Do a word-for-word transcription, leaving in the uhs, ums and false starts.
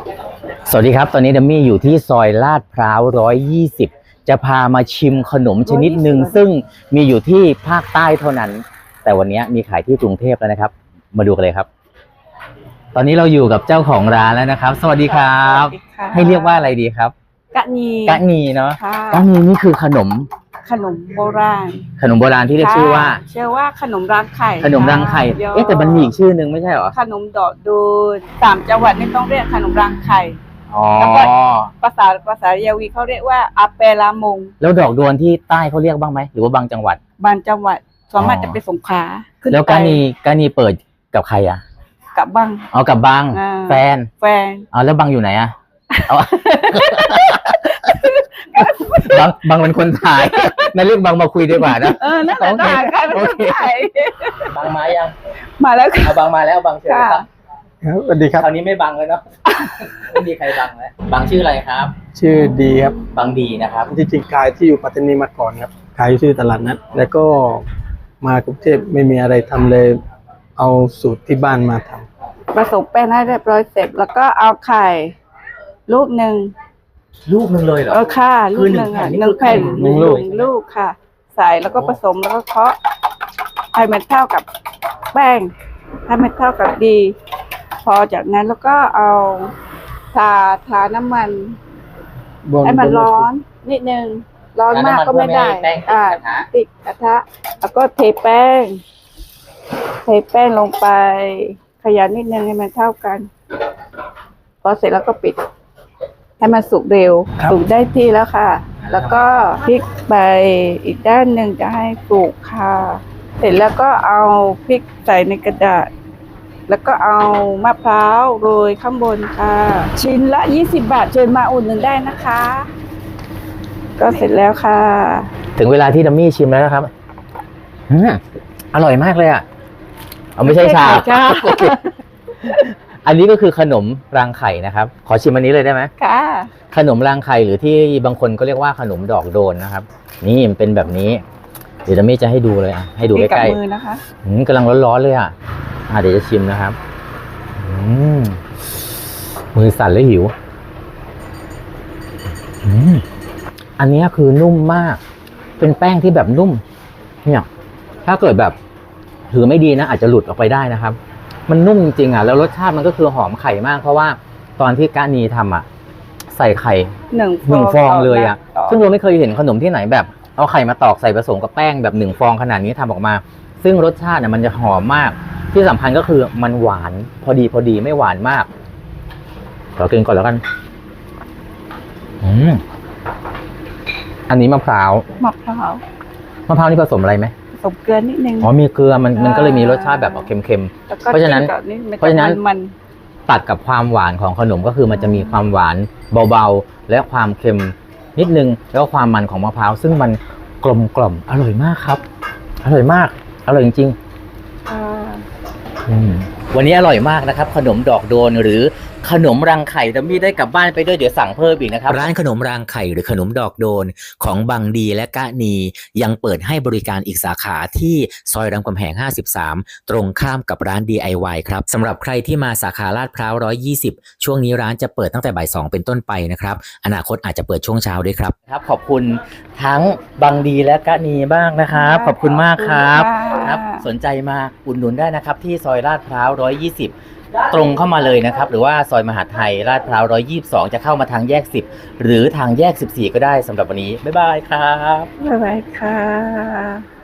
สวัสดีครับตอนนี้ดัมมี่อยู่ที่ซอยลาดพร้าวหนึ่งร้อยยี่สิบจะพามาชิมขนมชนิดหนึ่งซึ่งมีอยู่ที่ภาคใต้เท่านั้นแต่วันนี้มีขายที่กรุงเทพแล้วนะครับมาดูกันเลยครับตอนนี้เราอยู่กับเจ้าของร้านแล้วนะครับสวัสดีครับให้เรียกว่าอะไรดีครับกะนีกะนีเนาะกะนีนี่คือขนมขนมโบราณขนมโบราณที่เรียกชื่อว่าชื่อว่าขนมรังไข่ขนมรังไข่เอ๊ะแต่มันมีอีกชื่อนึงไม่ใช่หรอขนมดอกดูนสามจังหวัดนี่ต้องเรียกขนมรังไข่แล้วก็ภาษาภาษายาวีเขาเรียกว่าอาเปลามงแล้วดอกดวนที่ใต้เขาเรียกบ้างไหมหรือว่าบางจังหวัดบางจังหวัดส่วนมากจะเป็นสงขลาแล้วกะนีกะนีเปิดกับใครอ่ะกับบังอ๋อกับบังแฟนแฟนอ๋อแล้วบังอยู่ไหนอ่ะบังบังเป็นคนถ่ายนั่นเรียกบังมาคุยดีกว่านะเออนั่นแหละถ่ายใครเป็นคนถ่ายบังมายังมาแล้วเอาบังมาแล้วบังเชิญครับสวัสดีครับคราวนี้ไม่บังเลยเนาะไม่มีใครบังแล้วบังชื่ออะไรครับชื่อดีครับบังดีนะครับที่จริงขายที่อยู่ปัตตานีมาก่อนครับขายอยู่ที่ตลาดนัดแล้วก็มากรุงเทพไม่มีอะไรทำเลยเอาสูตรที่บ้านมาทำผสมแป้งให้เรียบร้อยเสร็จแล้วก็เอาไข่ลูกหนึ่งลูกหนึ่งเลยเหรอเออค่ะลูกหนึ่งอ่ะหนึ่งแผ่นหนึ่งลูกลูกค่ะใส่แล้วก็ผสมแล้วก็เคาะให้มันเท่ากับแป้งให้มันเท่ากับดีพอจากนั้นแล้วก็เอาทาทาน้ำมันให้มันร้อนนิดนึงร้อนมากก็ไม่ได้อ่าติดกระทะแล้วก็เทแป้งเทแป้งลงไปขยันนิดนึงให้มันเท่ากันพอเสร็จแล้วก็ปิดให้มันสุกเร็วสุกได้ที่แล้วค่ะแล้วก็พลิกไปอีกด้านหนึ่งจะให้สุกค่ะเสร็จแล้วก็เอาพริกใส่ในกระดาษแล้วก็เอามะพร้าวโรยข้างบนค่ะชิ้นละยี่สิบบาทเชิญมาอุดหนุนได้นะคะก็เสร็จแล้วค่ะถึงเวลาที่ดัมมี่ชิมแล้วนะครับอืมอร่อยมากเลยอ่ะเอาไม่ใช่ชาอันนี้ก็คือขนมรังไข่นะครับขอชิมอันนี้เลยได้ไหมค่ะขนมรังไข่หรือที่บางคนก็เรียกว่าขนมดอกโดนนะครับนี่มันเป็นแบบนี้เดี๋ยวดัมมี่จะให้ดูเลยอ่ะให้ดูใกล้ๆมือนะคะกำลังร้อนๆเลยอ่ะอ่ะเดี๋ยวจะชิมนะครับมือสั่นแล้วหิวอันนี้คือนุ่มมากเป็นแป้งที่แบบนุ่มเนี่ยถ้าเกิดแบบถือไม่ดีนะอาจจะหลุดออกไปได้นะครับมันนุ่มจริงๆอ่ะแล้วรสชาติมันก็คือหอมไข่มากเพราะว่าตอนที่กะนีทำอ่ะใส่ไข่หนึ่งหนึ่งฟองเลยอ่ะซึ่งเราไม่เคยเห็นขนมที่ไหนแบบเอาไข่มาตอกใส่ผสมกับแป้งแบบหนึ่งฟองขนาดนี้ทำออกมาซึ่งรสชาติเนี่ยมันจะหอมมากที่สำคัญก็คือมันหวานพอดีพอดีไม่หวานมากขอกินก่อนแล้วกันอืมอันนี้มะพร้าวมะพร้าวมะพร้าวนี่ผสมอะไรไหมผสมเกลือนิดนึงอ๋อมีเกลือมันมันก็เลยมีรสชาติแบบเค็มๆเพราะฉะนั้นเพราะฉะนั้นมันตัดกับความหวานของขนมก็คือมันจะมีความหวานเบาๆและความเค็มนิดนึงแล้วก็ความมันของมะพร้าวซึ่งมันกลมกล่อมอร่อยมากครับอร่อยมากอร่อยจริงๆวันนี้อร่อยมากนะครับขนมดอกโดนหรือขนมรังไข่ดัมมี่ได้กลับบ้านไปด้วยเดี๋ยวสั่งเพิ่มอีกนะครับร้านขนมรังไข่หรือขนมดอกโดนของบังดีและกะนียังเปิดให้บริการอีกสาขาที่ซอยรามคำแหงห้าสิบสามตรงข้ามกับร้าน ดี ไอ วาย ครับสำหรับใครที่มาสาขาลาดพร้าวหนึ่งร้อยยี่สิบช่วงนี้ร้านจะเปิดตั้งแต่บ่ายสองเป็นต้นไปนะครับอนาคตอาจจะเปิดช่วงเช้าด้วยครับครับขอบคุณทั้งบังดีและกะนีบ้างนะครับขอบคุณมากครับครับสนใจมาอุดหนุนได้นะครับที่ซอยลาดพร้าวหนึ่งร้อยยี่สิบตรงเข้ามาเลยนะครับหรือว่าซอยมหาไทยลาดพร้าวหนึ่งร้อยยี่สิบสองจะเข้ามาทางแยกสิบหรือทางแยกสิบสี่ก็ได้สำหรับวันนี้บ๊ายบายครับบ๊ายบายค่ะ